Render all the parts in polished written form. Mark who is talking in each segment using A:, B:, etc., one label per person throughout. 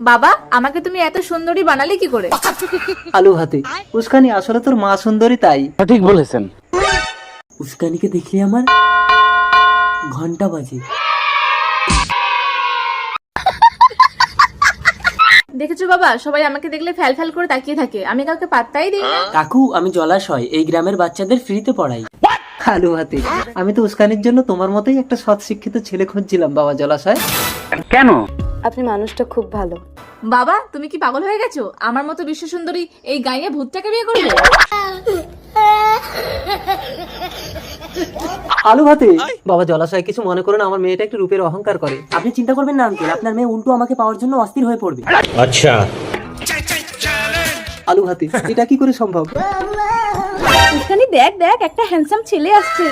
A: বাবা আমাকে তুমি এত সুন্দরী বানালে কি করে?
B: আলু ভাতে। উস্কানি আসলে তোর মা সুন্দরী তাই।
C: ঠিক বলেছেন।
D: উস্কানিকে দেখলে আমার ঘন্টা বাজে।
A: দেখেছো বাবা, সবাই আমাকে দেখলে ফ্যাল ফ্যাল করে তাকিয়ে থাকে, আমি কাউকে পাত্তাই দিই না।
D: কাকু আমি জলাশয় এই গ্রামের বাচ্চাদের ফ্রিতে পড়াই।
B: আলু ভাতে। আমি তো উস্কানির জন্য তোমার মতোই একটা সৎ শিক্ষিত ছেলে খুঁজছিলাম বাবা জলাশয়।
C: কেন?
E: আপনি মানুষটা খুব ভালো।
A: বাবা তুমি কি পাগল হয়ে গেছো? আমার মতো বিশ্ব সুন্দরী এই গাইয়ে ভূতটাকে বিয়ে করবে?
B: আলু ভাতে। বাবা জলাশয় কিছু মনে করো না, আমার মেয়েটা একটু রূপের অহংকার করে।
D: আপনি চিন্তা করবেন না আঙ্কেল, আপনার মেয়ে উল্টো আমাকে পাওয়ার জন্য অস্থির হয়ে পড়বে।
B: আলু ভাতে, এটা কি করে সম্ভব?
A: উস্কানি দেখ দেখ, একটা হ্যান্ডসাম ছেলে আসছে।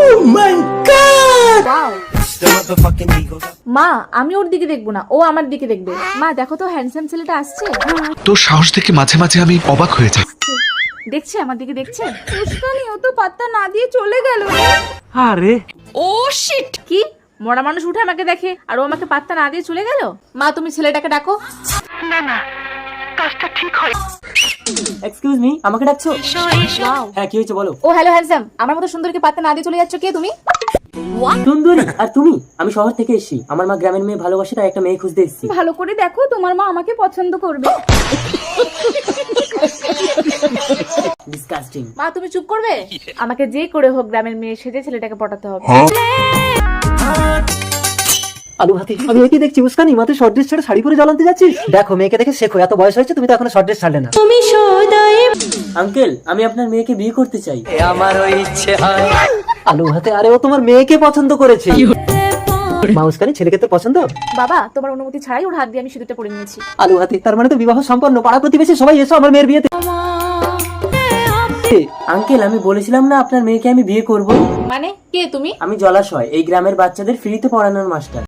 A: Wow! মা আমি ওর দিকে দেখবো না, ও আমার দিকে দেখবে। মা দেখো তো হ্যান্ডসাম ছেলেটা আসছে।
F: তোর সাহস দেখে মাঝে মাঝে আমি অবাক হয়ে যাই।
A: দেখছে আমার দিকে, দেখছে। উস্কানি ও তো পাত্তা না দিয়ে চলে গেল।
C: আরে
A: ও শিট! কি মরা মানুষ উঠে আমাকে দেখে আর ও আমাকে পাত্তা না দিয়ে চলে গেল? মা তুমি ছেলেটাকে ডাকো।
D: এক্সকিউজ মি, আমাকে ডাকছো?
A: Wow!
D: হ্যাঁ কি হয়েছে বলো।
A: ও হ্যালো হ্যান্ডসাম, আমার মতো সুন্দরীকে পাত্তা না দিয়ে চলে যাচ্ছ, কে তুমি?
D: সুন্দরী আর তুমি? আমি শহর থেকে এসেছি, আমার মা গ্রামের মেয়ে ভালোবাসে তাই একটা মেয়ে খুঁজতে এসেছি।
A: ভালো করে দেখো, তোমার মা আমাকে পছন্দ করবে।
D: ডিসকাস্টিং।
A: মা তুমি চুপ করবে? আমাকে যে করে হোক গ্রামের মেয়ে সেজে ছেলেটাকে পটাতে হবে।
B: আলু ভাতে, আমি কি দেখছি উস্কানি মাথায় শর্ট ড্রেস ছেড়ে শাড়ি পরে জ্বলতে যাচ্ছিস? দেখো মেয়েকে দেখে শেখো, এত বয়স হয়েছে তুমি তো এখনো শর্ট ড্রেস ছাড়লে না।
D: আঙ্কেল আমি আপনার মেয়েকে বিয়ে করতে চাই।
B: আলু ভাতে, আরে ও তোমার মেয়েকে পছন্দ করেছে। মা উস্কানি ছেলেকে তো পছন্দ?
A: বাবা তোমার অনুমতি ছাড়াই ওর হাত দিয়ে আমি সিঁদুরটা পরে নিয়েছি।
B: আলু ভাতে, তার মানে তো বিবাহ সম্পন্ন। পাড়া প্রতিবেশী সবাই এসো আমার মেয়ের বিয়েতে।
D: আঙ্কেল আমি বলেছিলাম না আপনার মেয়েকে আমি বিয়ে করব।
A: মানে কে তুমি?
D: আমি জলাশয় এই গ্রামের বাচ্চাদের ফ্রিতে পড়ানোর মাস্টার।